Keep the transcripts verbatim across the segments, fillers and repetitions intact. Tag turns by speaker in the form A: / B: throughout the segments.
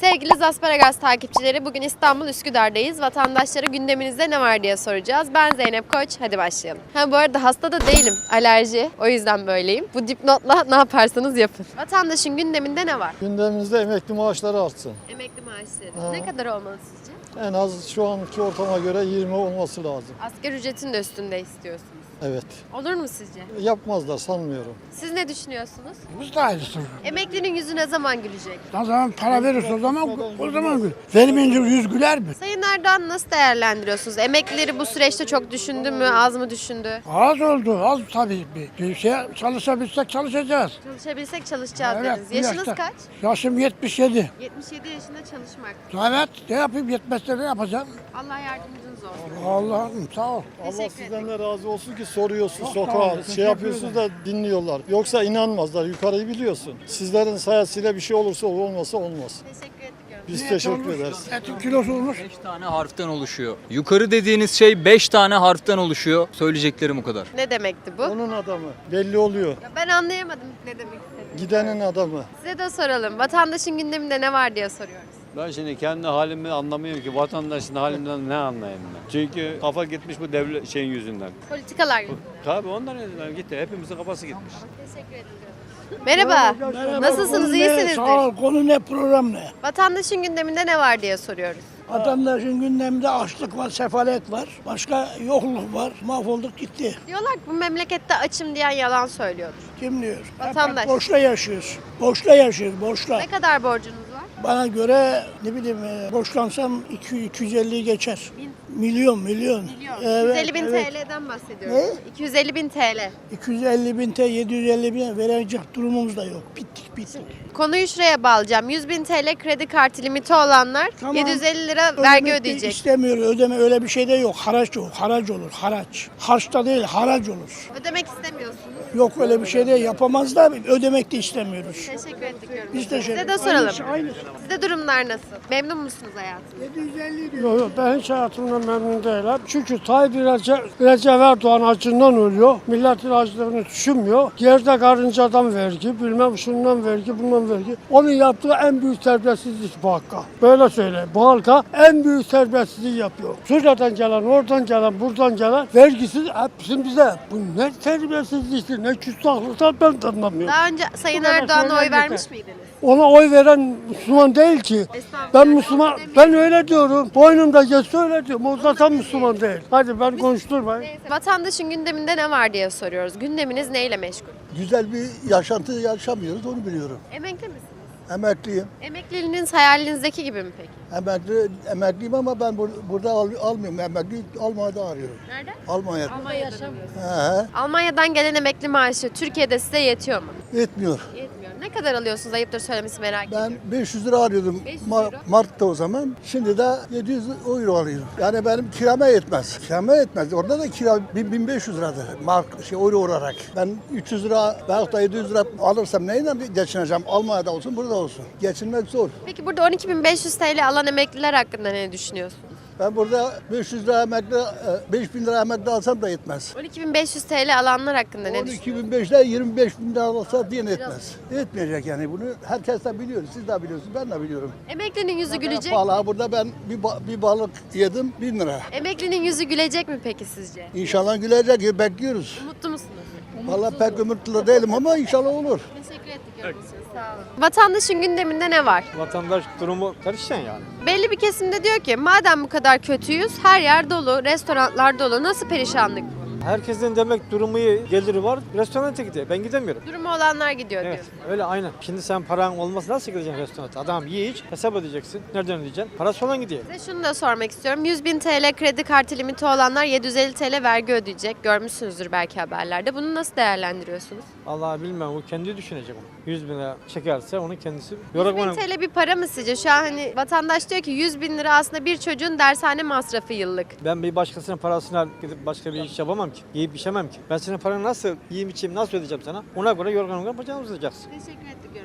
A: Sevgili Zasparagas takipçileri, bugün İstanbul Üsküdar'dayız. Vatandaşlara gündeminizde ne var diye soracağız. Ben Zeynep Koç, hadi başlayalım. Ha bu arada hasta da değilim, alerji. O yüzden böyleyim. Bu dipnotla ne yaparsanız yapın. Vatandaşın gündeminde ne var?
B: Gündemimizde emekli maaşları artsın.
A: Emekli maaşları.
B: Ha.
A: Ne kadar olmalı sizce?
B: En az şu anki ortama göre yirmi olması lazım.
A: Asgari ücretin de üstünde istiyorsunuz.
B: Evet.
A: Olur mu sizce?
B: Yapmazlar sanmıyorum.
A: Siz ne düşünüyorsunuz?
C: Biz de aynısı.
A: Emeklinin yüzü ne zaman gülecek?
C: Ne zaman para verirse o zaman o zaman gül. Vermeyince yüz güler mi?
A: Sayın Erdoğan nasıl değerlendiriyorsunuz? Emeklileri bu süreçte çok düşündü mü, az mı düşündü?
C: Az oldu, az tabii. Bir şey çalışabilsek çalışacağız.
A: Çalışabilsek çalışacağız
C: Evet,
A: dediniz.
C: bu
A: Yaşınız
C: yaşta.
A: kaç?
C: Yaşım yetmiş yedi.
A: yetmiş yedi yaşında çalışmak.
C: Evet, ne yapayım yetmezse ne yapacağım?
A: Allah yardımcınız olsun.
C: Allah'ım sağ ol.
B: Allah
A: Teşekkür
B: sizden de razı olsun ki soruyorsun
C: Çok sağ olun,
B: sokağa,
C: teşekkür
B: şey yapıyorsunuz da dinliyorlar. Yoksa inanmazlar, yukarıyı biliyorsun. Sizlerin sayesinde bir şey olursa olmasa olmaz.
A: Teşekkür ediyorum.
B: Biz
C: Ne
B: teşekkür
C: olmuş?
B: ederiz.
C: Etin kilosu olmuş.
D: beş tane harften oluşuyor. Yukarı dediğiniz şey beş tane harften oluşuyor. Söyleyeceklerim o kadar.
A: Ne demekti bu?
B: Onun adamı belli oluyor.
A: Ya ben anlayamadım ne demek istediğini.
B: Gidenin adamı.
A: Size de soralım. Vatandaşın gündeminde ne var diye soruyoruz.
E: Ben şimdi kendi halimi anlamıyorum ki vatandaşın halinden ne anlayayım ben. Çünkü kafa gitmiş bu devlet şeyin yüzünden.
A: Politikalar yüzünden.
E: Tabii ondan yüzünden gitti. Hepimizin kafası gitmiş.
A: Teşekkür ediyorum. Merhaba. Nasılsınız?
C: Konu ne?
A: İyisinizdir.
C: Sağ ol. Konu ne, program ne?
A: Vatandaşın gündeminde ne var diye soruyoruz.
C: Vatandaşın gündeminde açlık var, sefalet var. Başka yokluk var. Mahvolduk gitti.
A: Diyorlar ki bu memlekette açım diyen yalan söylüyordur.
C: Kim diyor?
A: Vatandaş.
C: Hep borçla yaşıyoruz. Borçla yaşıyoruz, borçla.
A: Ne kadar borcunuz var?
C: Bana göre ne bileyim e, borçlansam iki yüz iki yüz elliyi geçer. Milyon milyon.
A: Milyon.
C: Evet,
A: iki yüz elli bin
C: evet.
A: T L'den bahsediyoruz.
C: Ne?
A: iki yüz elli bin T L.
C: iki yüz elli bin T, yedi yüz elli bin verecek durumumuz da yok. Bittik bittik.
A: Konuyu şuraya bağlayacağım. yüz bin T L kredi kartı limiti olanlar
C: Tamam.
A: yedi yüz elli lira vergi
C: Ödemek de
A: ödeyecek.
C: İstemiyor, ödeme öyle bir şey de yok. Haraç yok, haraç olur, haraç. Harçta değil, haraç olur.
A: Ödemek istemiyorsunuz.
C: Yok öyle bir şey de yapamaz da ödemek de istemiyoruz.
A: Teşekkür ettik.
C: Biz teşekkür
A: Size de soralım.
C: Aynısı, aynısı.
A: Sizde durumlar nasıl? Memnun musunuz hayatınızda?
C: yedi yüz elli diyor.
F: Yok yok ben hiç hayatımdan memnun değilim. Çünkü Tayyip Recep, Recep Erdoğan acından ölüyor. Milletin acılığını düşünmüyor. Yerde karıncadan vergi, bilmem şundan vergi, bundan vergi. Onun yaptığı en büyük terbiyesizlik bu halka. Böyle söyleyeyim. Bu halka en büyük terbiyesizliği yapıyor. Suriye'den gelen, oradan gelen, buradan gelen vergisiz hepsini bize. Bu ne terbiyesizliktir, ne küstahlıklar ben de anlamıyorum.
A: Daha önce Sayın
F: Bu kadar
A: Erdoğan'a oy
F: söyleyen
A: vermiş
F: yeter.
A: miydiniz?
F: Ona oy veren Müslüman değil ki.
A: Estağfurullah.
F: Ben Müslüman,
A: Demeyin.
F: ben öyle diyorum. Boynumda geçse öyle diyorum. O zaten Müslüman değil. Hadi ben konuşturmayın.
A: Neyse. Vatandaşın gündeminde ne var diye soruyoruz. Gündeminiz neyle meşgul?
G: Güzel bir yaşantı yaşamıyoruz, onu biliyorum.
A: Emekli misiniz?
G: Emekliyim.
A: Emekliliğiniz hayalinizdeki gibi mi peki?
G: Emekli, emekliyim ama ben bur- burada al- almıyorum. Emekli Almanya'da arıyorum.
A: Nerede?
G: Almanya'da.
A: Almanya'da yaşamıyorsunuz.
G: He,
A: Almanya'dan gelen emekli maaşı Türkiye'de size yetiyor mu?
G: yetmiyor.
A: Yetmiyor. Ne kadar alıyorsunuz? Ayıptır söylemesi merak
G: Ben
A: ediyorum.
G: beş yüz lira arıyordum
A: beş yüz
G: Ma-
A: euro.
G: Mart'ta o zaman. Şimdi de yedi yüz euro alıyorum. Yani benim kirama yetmez. Kirama yetmez. Orada da kira bin- 1500 liradır. Mark, şey, euro olarak. Ben üç yüz lira veyahut da yedi yüz lira alırsam neyle geçineceğim? Almanya'da olsun, burada olsun. Geçinmek zor.
A: Peki burada on iki bin beş yüz T L alan emekliler hakkında ne düşünüyorsunuz?
G: Ben burada beş yüz lira emekli, e, beş bin lira emekli alsam da yetmez.
A: on iki bin beş yüz T L alanlar hakkında ne
G: on
A: düşünüyorsunuz?
G: iki bin beşte yirmi beş bin lira alsa diye etmez. Etmeyecek yani bunu. Herkes de biliyor. Siz de biliyorsunuz. Ben de biliyorum.
A: Emeklinin yüzü gülecek.
G: Vallahi burada ben bir, ba- bir balık yedim bin lira.
A: Emeklinin yüzü gülecek mi peki sizce?
G: İnşallah gülecek. Bekliyoruz.
A: Mutlu musunuz?
G: Vallahi pek ümitli değilim ama inşallah olur.
A: Teşekkür ettik yorum için. Sağ olun. Vatandaşın gündeminde ne var?
E: Vatandaş durumu karışan yani.
A: Belli bir kesimde diyor ki madem bu kadar kötüyüz her yer dolu, restoranlar dolu. Nasıl perişanlık bu?
H: Herkesin demek durumu iyi, geliri var. Restorana gidiyor. Ben gidemiyorum.
A: Durumu olanlar gidiyor
H: Evet,
A: diyor.
H: öyle aynen. Şimdi sen paran olmasa nasıl gideceksin restorana? Adam ye iç, hesap ödeyeceksin. Nereden ödeyeceksin? Parası olan gidiyor.
A: Size şunu da sormak istiyorum. yüz bin T L kredi kartı limiti olanlar yedi yüz elli T L vergi ödeyecek. Görmüşsünüzdür belki haberlerde. Bunu nasıl değerlendiriyorsunuz?
H: Allah bilmem, o kendi düşünecek onu. yüz bin lira çekerse onu kendisi...
A: yüz
H: Yorulmanın-
A: bin T L bir para mı sizce? Şu an hani vatandaş diyor ki yüz bin lira aslında bir çocuğun dershane masrafı yıllık.
H: Ben bir başkasının parasına gidip başka bir iş yapamam ki. Yiyip içemem ki. Ben senin paranı nasıl yiyeyim içeyim, nasıl ödeyeceğim sana? Ona göre yorgan yorgan bacağını uzatacaksın.
A: Teşekkür ettik yorumunuz için.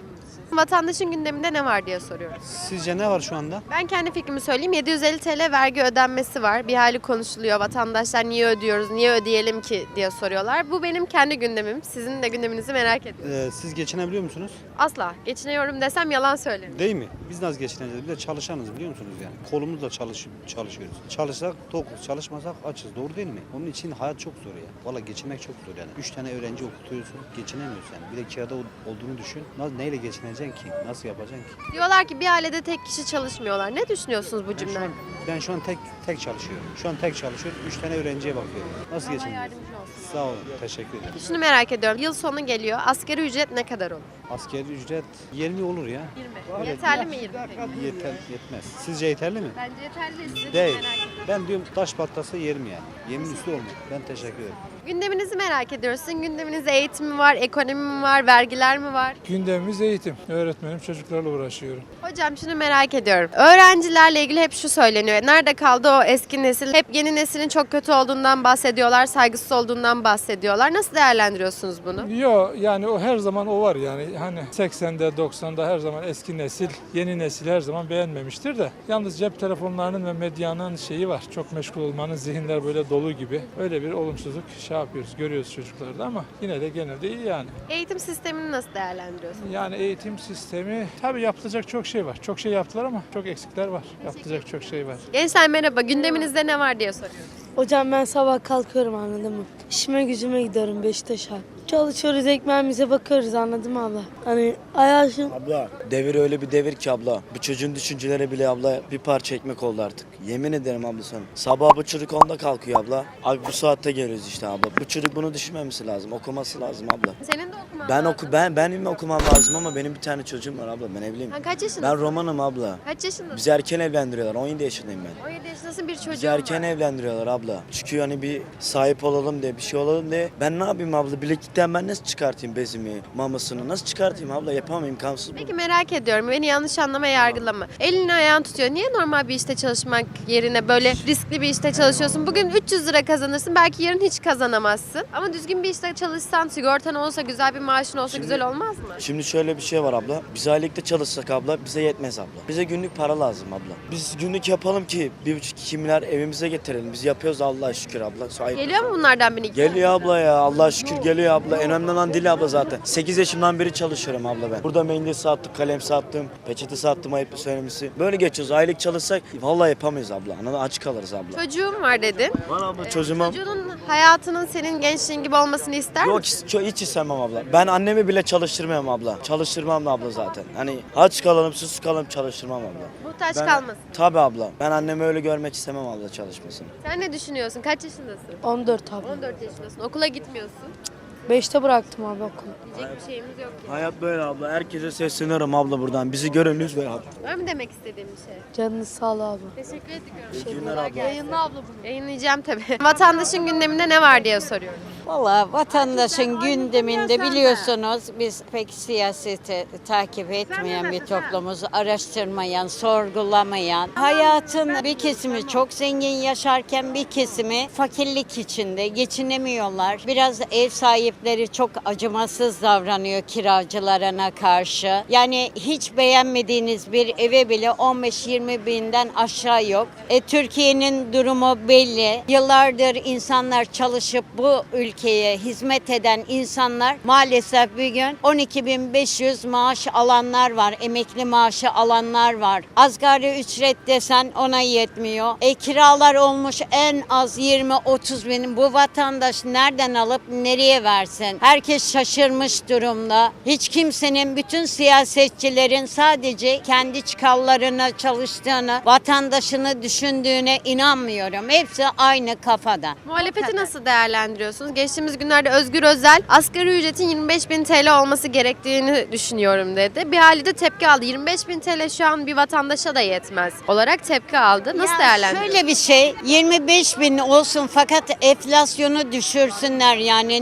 A: Vatandaşın gündeminde ne var diye soruyoruz.
I: Sizce ne var şu anda?
A: Ben kendi fikrimi söyleyeyim. yedi yüz elli T L vergi ödenmesi var. Bir hali konuşuluyor. Vatandaşlar niye ödüyoruz, niye ödeyelim ki diye soruyorlar. Bu benim kendi gündemim. Sizin de gündeminizi merak ediyorum.
I: Ee, siz geçinebiliyor musunuz?
A: Asla. Geçiniyorum desem yalan söylerim.
I: Değil mi? Biz nasıl geçineceğiz? Bir de çalışanız biliyor musunuz yani? Kolumuzla çalış, çalışıyoruz. Çalışsak tokuz, çalışmasak açız. Doğru değil mi? Onun için hayat çok zor ya. Valla geçinmek çok zor yani. Üç tane öğrenci okutuyorsun, geçinemiyorsun yani. Bir de kirada olduğunu düşün. Nasıl, neyle geçineceksin ki? Nasıl yapacaksın ki?
A: Diyorlar ki bir ailede tek kişi çalışmıyorlar. Ne düşünüyorsunuz bu
I: Ben şu
A: cümleden?
I: an, ben şu an tek tek çalışıyorum. Şu an tek çalışıyorum. Üç tane öğrenciye bakıyorum. Nasıl
A: Allah
I: geçineceğiz?
A: yardımcı olsun.
I: Sağ olun. Teşekkür ederim.
A: Şunu merak ediyorum. Yıl sonu geliyor. Asgari ücret ne kadar olur?
I: Asgari ücret yirmi olur ya.
A: yirmi. Yeterli mi yirmi peki?
I: Yeter, yetmez. Sizce yeterli mi?
A: Bence yeterli. Sizi
I: Değil.
A: merak ediyorum.
I: Ben diyorum taş patlasa yerim yani. Yemin üstü olmuyor. Ben teşekkür ederim.
A: Gündeminizi merak ediyoruz. Sizin gündeminizde eğitim mi var, ekonomi mi var, vergiler mi var?
F: Gündemimiz eğitim. Öğretmenim, çocuklarla uğraşıyorum.
A: Hocam şunu merak ediyorum. Öğrencilerle ilgili hep şu söyleniyor. Nerede kaldı o eski nesil? Hep yeni neslin çok kötü olduğundan bahsediyorlar, saygısız olduğundan bahsediyorlar. Nasıl değerlendiriyorsunuz bunu?
F: Yok yani o her zaman o var yani. Hani seksende doksanda her zaman eski nesil, yeni nesil her zaman beğenmemiştir de. Yalnız cep telefonlarının ve medyanın şeyi var. Çok meşgul olmanın zihinler böyle dolu gibi. Öyle bir olumsuzluk şey yapıyoruz, görüyoruz çocuklarda ama yine de genelde iyi yani.
A: Eğitim sistemini nasıl değerlendiriyorsunuz?
F: Yani eğitim sistemi tabii yapılacak çok şey var. Çok şey yaptılar ama çok eksikler var. Yapılacak çok şey var.
A: Gençler merhaba. Gündeminizde ne var diye soruyoruz.
J: Hocam ben sabah kalkıyorum anladın mı? İşime gücüme gidiyorum Beşiktaş'a. Çalışıyoruz ekmeğimize bakıyoruz anladın mı abla? Hani hayatım
K: Abla devir öyle bir devir ki abla. Bu çocuğun düşünceleri bile abla bir parça ekmek oldu artık. Yemin ederim abla sana. Sabah bu çocuk onda kalkıyor abla. Abi bu saatte geliyoruz işte abla. Bu çocuk bunu düşünmemesi lazım. Okuması lazım abla.
A: Senin de okuman
K: Ben
A: lazım.
K: oku ben benim okumam lazım ama benim bir tane çocuğum var abla. Ben evliyim.
A: Ha, kaç yaşındasın?
K: Ben romanım abla.
A: Kaç yaşındasın?
K: Bizi erken evlendiriyorlar. on yedi yaşındayım ben.
A: on yedi yaşındasın, bir çocuğun
K: Bizi erken
A: var.
K: evlendiriyorlar abla. Çünkü hani bir sahip olalım diye bir şey olalım diye. Ben ne yapayım abla? Bileklikten ben nasıl çıkartayım bezimi, mamasını? Nasıl çıkartayım abla? Yapamam, imkansız bu.
A: Peki merak ediyorum. Beni yanlış anlama, yargılama. Elini ayağını tutuyor. Niye normal bir işte çalışmak yerine böyle riskli bir işte çalışıyorsun? Bugün üç yüz lira kazanırsın. Belki yarın hiç kazanamazsın. Ama düzgün bir işte çalışsan, sigortan olsa, güzel bir maaşın olsa
K: Şimdi-
A: güzel olmaz mı?
K: Şimdi şöyle bir şey var abla. Biz aylıkta çalışsak abla bize yetmez abla. Bize günlük para lazım abla. Biz günlük yapalım ki bir buçuk iki milyar evimize getirelim. Biz yapıyoruz Allah'a şükür abla. Sahip.
A: Geliyor mu bunlardan bir iki?
K: Geliyor abla ya. Allah'a şükür geliyor abla. En önemli olan dil abla zaten. sekiz yaşımdan beri çalışıyorum abla ben. Burada mendil sattım, kalem sattım, peçete sattım ayıp söylemesi. Böyle geçiyoruz. Aylık çalışsak vallahi yapamayız abla. Anladın mı? Aç kalırız abla.
A: Çocuğum var dedin.
K: Var abla çocuğuma.
A: Çocuğunun hayatının senin gençliğin gibi olmasını ister
K: Yok
A: misin?
K: hiç, hiç istemem abla. Ben annemi bile çalıştırmam abla. Çalıştırmam da abla zaten. Hani aç kalalım, susuz kalalım çalıştırmam abla.
A: Muhtaç
K: Ben-
A: kalmasın.
K: Tabii abla. Ben annemi öyle görmek istemem abla çalışmasını.
A: Sen ne düşünüyorsun? Kaç yaşındasın?
J: on dört abi.
A: on dört yaşındasın. Okula gitmiyorsun.
J: beşte bıraktım abi okulu.
A: Diyecek bir şeyimiz yok ya.
K: Hayat böyle abla. Herkese sesleniyorum abla buradan. Bizi görün lütfen abla.
A: Var mı demek istediğin bir şey?
J: Canınız sağ ol abi.
A: Teşekkür ediyorum.
K: İyi günler abla.
A: Yayınla abla bunu. Yayınlayacağım tabii. Vatandaşın gündeminde ne var diye soruyorum.
L: Valla vatandaşın gündeminde biliyorsunuz biz pek siyaseti takip etmeyen bir toplumuz, araştırmayan, sorgulamayan. Hayatın bir kesimi çok zengin yaşarken bir kesimi fakirlik içinde geçinemiyorlar. Biraz ev sahipleri çok acımasız davranıyor kiracılarına karşı. Yani hiç beğenmediğiniz bir eve bile on beş yirmi binden aşağı yok. E, Türkiye'nin durumu belli. Yıllardır insanlar çalışıp bu ülkeye hizmet eden insanlar maalesef bir gün on iki bin beş yüz maaş alanlar var. Emekli maaşı alanlar var. Asgari ücret desen ona yetmiyor. E, kiralar olmuş en az yirmi otuz bin. Bu vatandaş nereden alıp nereye versin? Herkes şaşırmış durumda. Hiç kimsenin, bütün siyasetçilerin sadece kendi çıkarlarına çalıştığını, vatandaşını düşündüğüne inanmıyorum. Hepsi aynı kafada.
A: Muhalefeti nasıl değerlendiriyorsunuz? Geçtiğimiz günlerde Özgür Özel asgari ücretin yirmi beş bin T L olması gerektiğini düşünüyorum dedi. Bir hali de tepki aldı. yirmi beş bin T L şu an bir vatandaşa da yetmez olarak tepki aldı. Nasıl
L: Ya
A: değerlendiriyorsunuz?
L: Şöyle bir şey, yirmi beş bin olsun fakat enflasyonu düşürsünler yani. Ne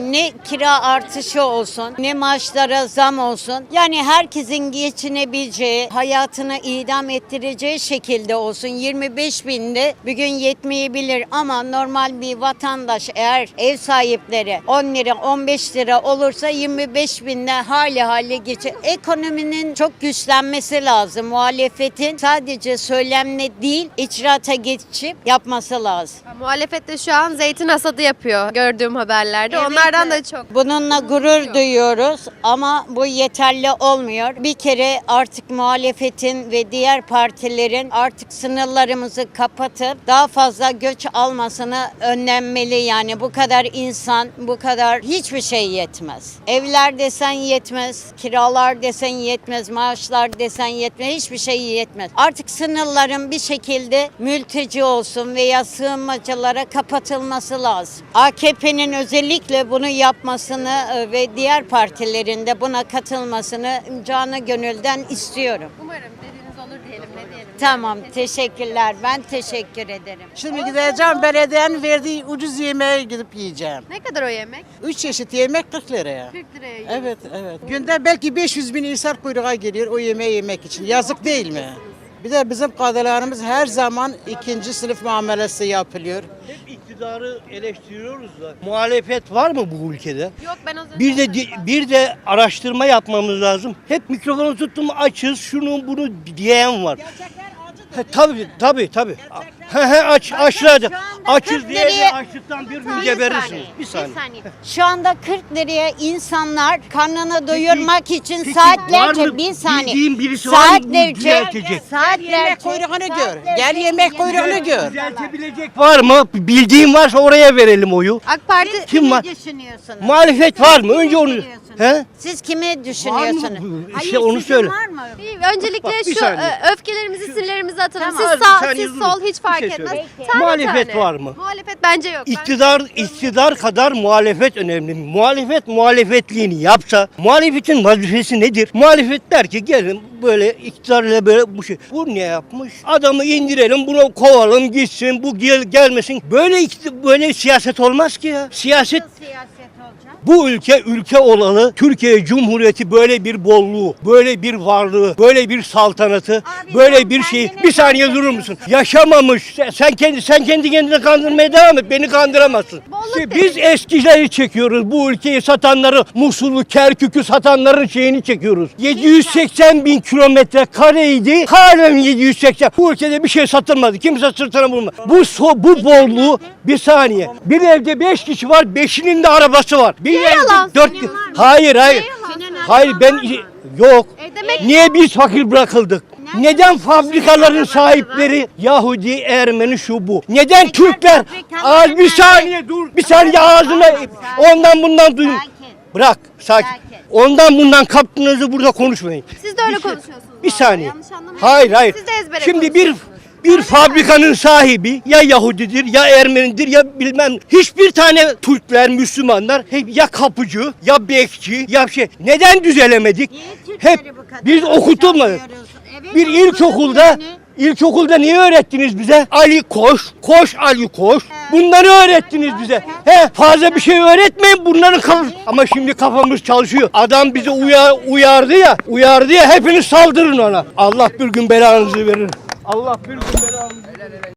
L: kira artışı olsun, ne maaşlara zam olsun. Yani herkesin geçinebileceği, hayatını idam ettireceği şekilde olsun. yirmi beş binde bugün yetmeyebilir ama normal bir vatandaş eğer ev sahipleri on lira on beş lira olursa yirmi beş binde hali hali geçer. Ekonominin çok güçlenmesi lazım. Muhalefetin sadece söylemle değil icraata geçip yapması lazım.
A: Muhalefet de şu an zeytin hasadı yapıyor gördüğüm haberlerde.
L: Evet,
A: Onlardan
L: evet.
A: da çok.
L: Bununla gurur duyuyoruz ama bu yeterli olmuyor. Bir kere artık muhalefetin ve diğer partilerin artık sınırlarımızı kapatıp daha fazla göç almasını önlenmeli. Yani bu kadar insan, bu kadar hiçbir şey yetmez. Evler desen yetmez, kiralar desen yetmez, maaşlar desen yetmez, hiçbir şey yetmez. Artık sınırların bir şekilde mülteci olsun veya sığınmacılara kapatılması lazım. A K P'nin özellikle bunu yapmasını e, ve diğer partilerin de buna katılmasını canı gönülden istiyorum.
A: Umarım dediğiniz olur diyelim, ne diyelim.
L: Tamam, teşekkürler. Ben teşekkür ederim.
M: Şimdi gideceğim belediyenin verdiği ucuz yemeğe gidip yiyeceğim.
A: Ne kadar o yemek?
M: Üç çeşit yemek kırk liraya.
A: kırk liraya yiyoruz.
M: Evet, evet. Günde belki beş yüz bin insan kuyruğa geliyor o yemeği yemek için. Yazık değil mi? Bir de bizim kadılarımız her zaman ikinci sınıf muamelesi yapılıyor.
N: Hep iktidarı eleştiriyoruz da muhalefet var mı bu ülkede?
A: Yok ben az önce
N: Bir de bir de araştırma yapmamız lazım. Hep mikrofonu tuttum açız şunu bunu diyen var. He, tabii tabii tabii. He he aç açlardı. Açız diye de açlıktan bir gün geberirsiniz. Bir saniye.
L: Şu anda kırk liraya insanlar karnını doyurmak için
N: peki
L: saatlerce
N: var mı?
L: bir saniye.
N: Bildiğin birisi var mı bu
L: saatlerce
N: düzeltecek?
L: saatlerce
M: Yemek kuyruğunu gör. Gel yemek kuyruğunu gör.
N: Düzeltebilecek var mı? Bildiğin varsa oraya verelim oyu.
A: AK Parti
N: Kim var?
L: düşünüyorsunuz?
N: Muhalefet var mı? Önce onu. He?
L: Siz kimi
N: Var
L: düşünüyorsunuz?
N: mı?
L: Hayır,
N: İşte onu
L: sizin
N: söyle.
L: var mı?
A: Bir- öncelikle
N: Bak, bir
A: şu
N: saniye.
A: e, öfkelerimizi, sinirlerimizi atalım.
N: Tamam,
A: siz
N: bir
A: sağ,
N: saniye
A: siz
N: durun.
A: sol hiç
N: Bir
A: fark
N: şey
A: etmez.
N: söyleyeyim.
A: Tane
N: Muhalefet
A: tane.
N: var mı?
A: Muhalefet bence yok. Ben-
N: İktidar iktidar kadar muhalefet önemli. Muhalefet muhalefetliğini yapsa, muhalefetin vazifesi nedir? Muhalefet der ki gelin böyle iktidarla böyle bu şey. Bu ne yapmış? Adamı indirelim, bunu kovalım gitsin, bu gel gelmesin. Böyle ikti- böyle siyaset olmaz ki ya. Siyaset
L: Siyaset olacak.
N: bu ülke ülke olalı. Türkiye Cumhuriyeti böyle bir bolluğu, böyle bir varlığı, böyle bir saltanatı,
L: Abi
N: böyle
L: sen
N: bir şeyi.
L: kendini
N: Bir saniye durur musun? Yaşamamış. Sen, sen kendi sen kendi kendini kandırmaya devam et. Beni kandıramazsın.
A: Bolluk
N: İşte
A: dedin.
N: biz eskileri çekiyoruz. Bu ülkeyi satanları, Musul'u, Kerkük'ü satanların şeyini çekiyoruz. yedi yüz seksen bin kilometre kareydi. Halen yedi yüz seksen. Bu ülkede bir şey satılmadı. Kimse sırtına vurmadı. Bu so, bu bolluğu bir saniye. Bir evde beş kişi var. Beşinin de arabası var. Bir evde
A: yalan
N: dört.
A: söylüyorsun?
N: Hayır hayır. Hayır ben yok.
A: E demek-
N: Niye biz fakir bırakıldık? Neden fabrikaların sahipleri Yahudi, Ermeni şu bu? Neden Türkler? Az bir saniye dur. Bir saniye ağzına ondan bundan duyun. Bırak sakin. Ondan bundan kaptığınızı burada konuşmayın.
A: Siz de öyle
N: Bir şey-
A: konuşuyorsunuz.
N: Bir
A: bu arada.
N: saniye.
A: Yanlış anlamayın.
N: Hayır hayır.
A: Siz de ezbere
N: Şimdi bir
A: konuşuyorsunuz.
N: bir fabrikanın sahibi ya Yahudidir ya Ermenidir ya bilmem hiçbir tane Türkler, Müslümanlar hep ya kapıcı ya bekçi ya şey. Neden düzelemedik? Hep biz okutulmadık. Bir ilkokulda İlkokulda niye öğrettiniz bize? Ali koş, koş Ali koş. Bunları öğrettiniz bize. He, fazla bir şey öğretmeyin bunların kafası. Ama şimdi kafamız çalışıyor. Adam bizi uyar, uyardı ya, uyardı ya hepiniz saldırın ona. Allah bir gün belanızı verir. Allah bir gün belanızı verir.